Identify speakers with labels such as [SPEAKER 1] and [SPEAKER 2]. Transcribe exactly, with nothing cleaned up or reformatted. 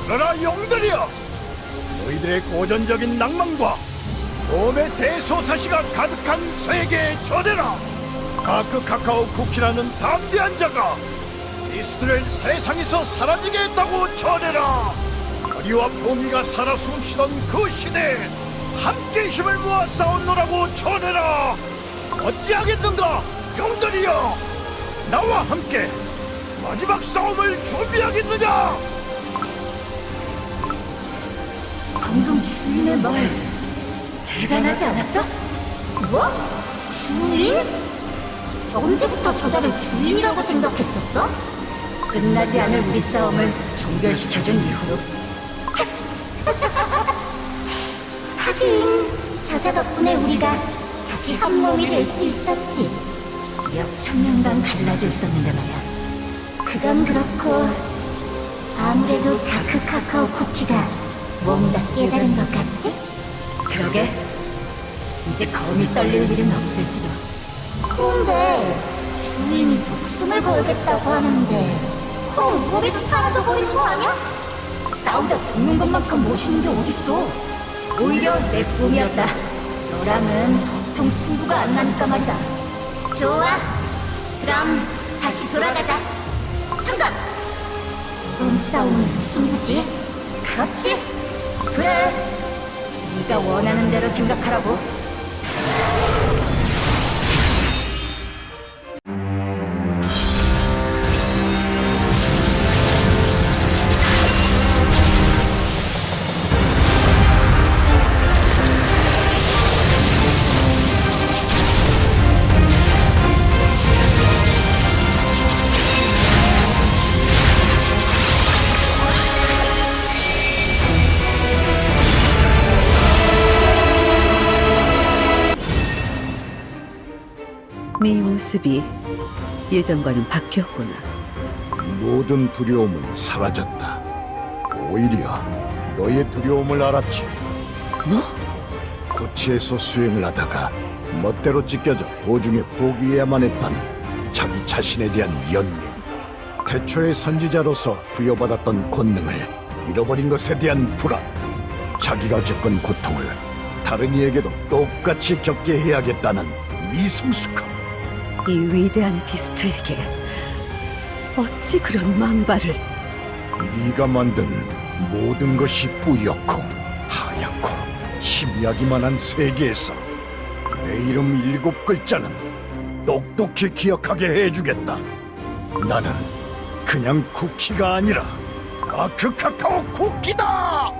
[SPEAKER 1] 들어라 용들이여! 너희들의 고전적인 낭만과 몸의 대소사시가 가득한 세계에 전해라! 다크 카카오 쿠키라는 담대한 자가 미스트를 세상에서 사라지게 했다고 전해라! 거리와 봄이가 살아 숨쉬던 그 시대에 함께 힘을 모아 싸웠노라고 전해라! 어찌하겠는가 용들이여! 나와 함께 마지막 싸움을 준비하겠느냐!
[SPEAKER 2] 방금 주인의 말 대단하지 않았어? 뭐? 주인? 언제부터 저자를 주인이라고 생각했었어? 끝나지 않을 우리 싸움을 종결시켜준 이후로 하긴 저자 덕분에 우리가 다시 한 몸이 될 수 있었지. 몇 천년간 갈라져 있었는데 말이야. 그건 그렇고 아무래도 다크 카카오 쿠키가 뭔가 깨달은 것 같지? 그러게. 이제 검이 떨릴 일은 없을지도. 그런데 주인이 목숨을 걸겠다고 하는데 그럼 우리도 사라져 버리는 거 아니야? 싸우다 죽는 것만큼 멋있는 게 어딨어. 오히려 내 꿈이었다. 너랑은 도통 승부가 안 나니까 말이다. 좋아. 그럼 다시 돌아가자. 잠깐! 이번 싸움은 승부지? 그렇지? 그래. 네가 원하는 대로 생각하라고.
[SPEAKER 3] 네 모습이 예전과는 바뀌었구나.
[SPEAKER 1] 모든 두려움은 사라졌다. 오히려 너의 두려움을 알았지.
[SPEAKER 3] 뭐?
[SPEAKER 1] 고치에서 수행을 하다가 멋대로 찢겨져 도중에 포기해야만 했던 자기 자신에 대한 연민, 태초의 선지자로서 부여받았던 권능을 잃어버린 것에 대한 불안, 자기가 겪은 고통을 다른 이에게도 똑같이 겪게 해야겠다는 미성숙함.
[SPEAKER 3] 이 위대한 비스트에게 어찌 그런 망발을...
[SPEAKER 1] 네가 만든 모든 것이 뿌옇고 하얗고 희미하기만 한 세계에서 내 이름 일곱 글자는 똑똑히 기억하게 해주겠다. 나는 그냥 쿠키가 아니라 다크 카카오 쿠키다!